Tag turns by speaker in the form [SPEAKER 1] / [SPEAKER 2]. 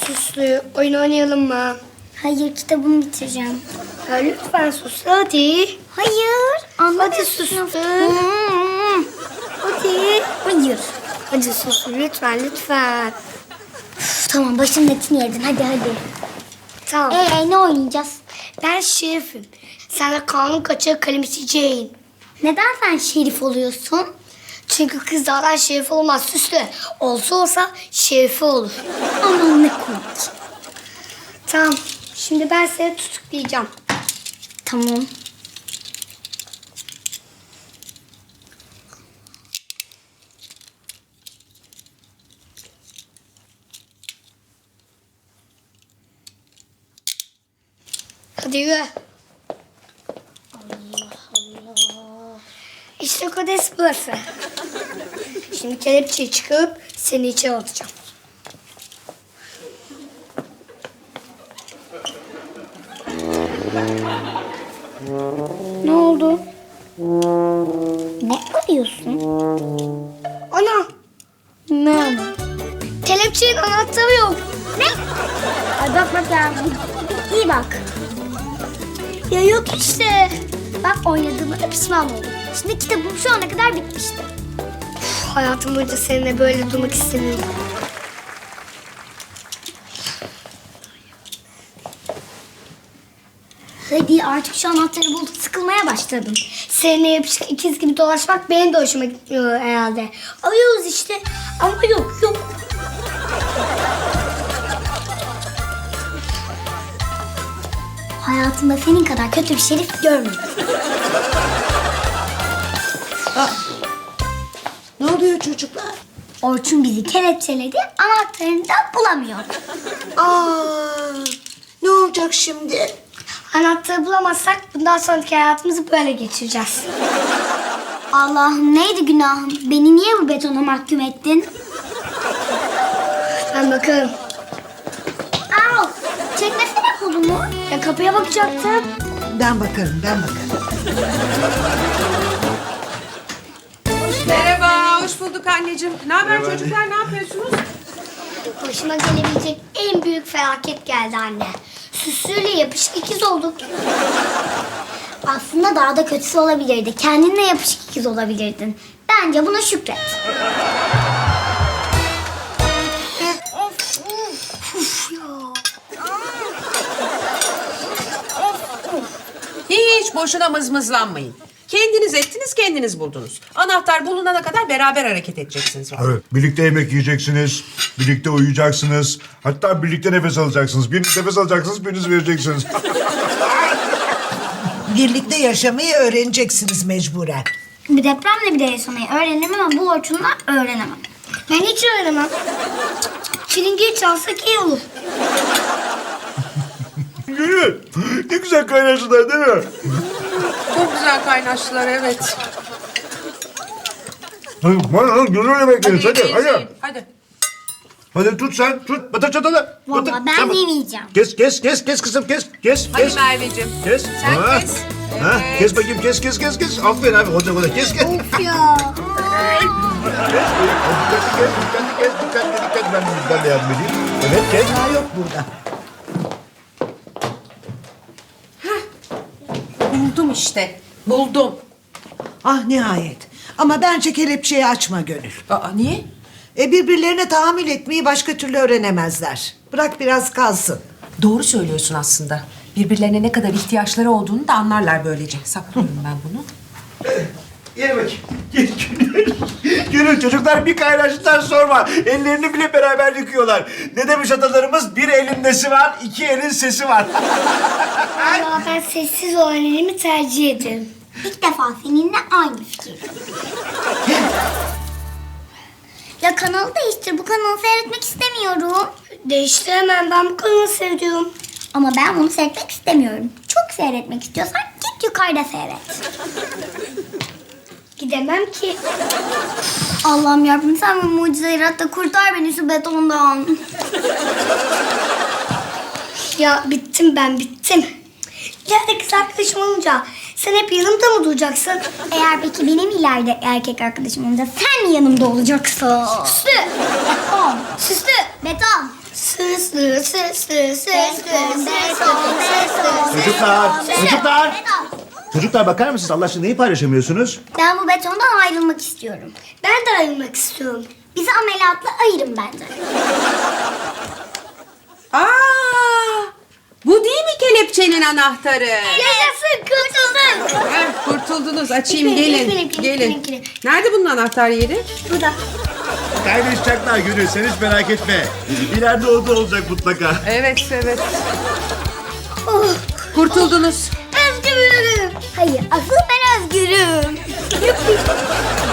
[SPEAKER 1] Süslü, oyun oynayalım mı?
[SPEAKER 2] Hayır, kitabımı bitireceğim.
[SPEAKER 1] Ya lütfen Süslü hadi.
[SPEAKER 2] Hayır.
[SPEAKER 1] Hadi Süslü. Hadi.
[SPEAKER 2] Hayır.
[SPEAKER 1] Hadi Süslü lütfen lütfen.
[SPEAKER 2] Üf, tamam, başımın etini yedin. Hadi.
[SPEAKER 1] Tamam.
[SPEAKER 2] Ne oynayacağız?
[SPEAKER 1] Ben şerifim. Sen de kanun kaçağı kalemisi Jane.
[SPEAKER 2] Neden sen şerif oluyorsun?
[SPEAKER 1] Çünkü kızlardan şerif olmaz Süslü. Olsa şerifi olur.
[SPEAKER 2] Aman ne komik.
[SPEAKER 1] Tamam. Şimdi ben seni tutuklayacağım.
[SPEAKER 2] Tamam.
[SPEAKER 1] Hadi yürü. Allah Allah. İşte kodes burası. Şimdi kelepçeyi çıkarıp seni içeri atacağım.
[SPEAKER 2] Ne oldu? Ne arıyorsun?
[SPEAKER 1] Ana!
[SPEAKER 2] Ne?
[SPEAKER 1] Kelepçenin anahtarı yok.
[SPEAKER 2] Ne? Ay bak ya. İyi bak.
[SPEAKER 1] Ya yok işte.
[SPEAKER 2] Bak oynadığıma da pişman oldum. Şimdi kitabım şu ana kadar bitmişti.
[SPEAKER 1] Hayatım boyunca seninle böyle durmak istemiyorum.
[SPEAKER 2] Hadi artık şu anahtarı buldum. Sıkılmaya başladım.
[SPEAKER 1] Seninle yapışık ikiz gibi dolaşmak benim de hoşuma gitmiyor herhalde. Alıyoruz işte ama yok.
[SPEAKER 2] Hayatımda senin kadar kötü bir şerif görmedim.
[SPEAKER 3] Ne oluyor çocuklar?
[SPEAKER 2] Orçun bizi kelepçeledi, anahtarını da bulamıyor.
[SPEAKER 3] Ne olacak şimdi?
[SPEAKER 1] Anahtarı bulamazsak bundan sonraki hayatımızı böyle geçireceğiz.
[SPEAKER 2] Allah'ım neydi günahım? Beni niye bu betona mahkum ettin?
[SPEAKER 1] Ben bakarım.
[SPEAKER 2] Au! Çekmesene kolumu.
[SPEAKER 1] Ya kapıya bakacaktım.
[SPEAKER 3] Ben bakarım.
[SPEAKER 4] Merhaba, hoş bulduk anneciğim. Ne haber çocuklar, ne yapıyorsunuz?
[SPEAKER 1] Başıma gelebilecek en büyük felaket geldi anne. Süslüyle yapışık ikiz olduk.
[SPEAKER 2] Aslında daha da kötüsü olabilirdi. Kendinle yapışık ikiz olabilirdin. Bence buna şükret.
[SPEAKER 4] Hiç boşuna mızmızlanmayın. Kendiniz ettiniz, kendiniz buldunuz. Anahtar bulunana kadar beraber hareket edeceksiniz.
[SPEAKER 5] Evet, birlikte yemek yiyeceksiniz, birlikte uyuyacaksınız, hatta birlikte nefes alacaksınız. Biriniz nefes alacaksınız, biriniz vereceksiniz.
[SPEAKER 3] Birlikte yaşamayı öğreneceksiniz mecburen.
[SPEAKER 2] Bir depremle bile yaşamayı öğrenirim ama bu Orçun'la öğrenemem.
[SPEAKER 1] Ben hiç öğrenemem. Çilingir çalsak iyi olur.
[SPEAKER 5] Gülü, ne güzel kaynaştılar değil mi?
[SPEAKER 4] Çok güzel kaynaştılar, evet.
[SPEAKER 5] Hadi, gönül yemek yeriz, hadi,
[SPEAKER 4] yiyin,
[SPEAKER 5] hadi.
[SPEAKER 4] yiyin. Hadi.
[SPEAKER 5] Hadi tut sen, tut, batır çatalı.
[SPEAKER 2] Valla ben yemeyeceğim.
[SPEAKER 5] Kes kızım, kes.
[SPEAKER 4] Hadi Merveciğim.
[SPEAKER 5] Kes.
[SPEAKER 4] Sen
[SPEAKER 5] Ha.
[SPEAKER 4] kes.
[SPEAKER 5] Ha,
[SPEAKER 4] Evet.
[SPEAKER 5] kes bakayım, kes. Aferin abi, hoca, kes.
[SPEAKER 2] Of ya.
[SPEAKER 5] Dikkat, ben de yardım edeyim. Evet, kes.
[SPEAKER 3] Daha yok burada.
[SPEAKER 4] Buldum işte, buldum.
[SPEAKER 3] Ah nihayet. Ama bence kelepçeyi açma Gönül.
[SPEAKER 4] Aa, niye?
[SPEAKER 3] Birbirlerine tahammül etmeyi başka türlü öğrenemezler. Bırak biraz kalsın.
[SPEAKER 4] Doğru söylüyorsun aslında. Birbirlerine ne kadar ihtiyaçları olduğunu da anlarlar böylece. Saklıyorum ben bunu.
[SPEAKER 5] Gel bakayım. Gönül çocuklar bir kaynaştılar sorma. Ellerini bile beraber yıkıyorlar. Ne demiş atalarımız? Bir elin nesi var, iki elin sesi var.
[SPEAKER 1] Ama ben sessiz olan elimi tercih ederim.
[SPEAKER 2] İlk defa seninle aynı fikir. Ya kanalı değiştir. Bu kanalı seyretmek istemiyorum.
[SPEAKER 1] Değiştiremem, ben bu kanalı seviyorum.
[SPEAKER 2] Ama ben bunu seyretmek istemiyorum. Çok seyretmek istiyorsan git yukarıda seyret.
[SPEAKER 1] Gidemem ki.
[SPEAKER 2] Allah'ım yarabbim sen bir mucize yarat da kurtar beni şu betondan.
[SPEAKER 1] Ya bittim. İleride kız arkadaşım olunca sen hep yanımda mı duracaksın?
[SPEAKER 2] Eğer peki benim ileride erkek arkadaşım olunca sen mi yanımda olacaksın?
[SPEAKER 1] Süslü!
[SPEAKER 2] Beton.
[SPEAKER 1] Süslü!
[SPEAKER 2] Beton.
[SPEAKER 1] Sır sır sır sır sır sır.
[SPEAKER 5] Çocuklar bakar mısınız? Allah aşkına neyi paylaşamıyorsunuz?
[SPEAKER 2] Ben bu betondan ayrılmak istiyorum.
[SPEAKER 1] Ben de ayrılmak istiyorum.
[SPEAKER 2] Bizi ameliyatla ayırın bence.
[SPEAKER 4] Bu değil mi kelepçenin anahtarı?
[SPEAKER 1] Yaşasın kurtuldum.
[SPEAKER 4] Kurtuldunuz. Açayım
[SPEAKER 1] Benimkini,
[SPEAKER 4] gelin.
[SPEAKER 1] benimkini,
[SPEAKER 4] Gelin.
[SPEAKER 1] benimkini.
[SPEAKER 4] Nerede bunun anahtar yeri?
[SPEAKER 1] Burada.
[SPEAKER 5] Kaynaşacaklar Gönül, sen hiç merak etme. İleride o da olacak mutlaka.
[SPEAKER 4] Evet.
[SPEAKER 1] Oh,
[SPEAKER 4] Kurtuldunuz.
[SPEAKER 1] özgürüm.
[SPEAKER 2] Hayır, asıl ben özgürüm.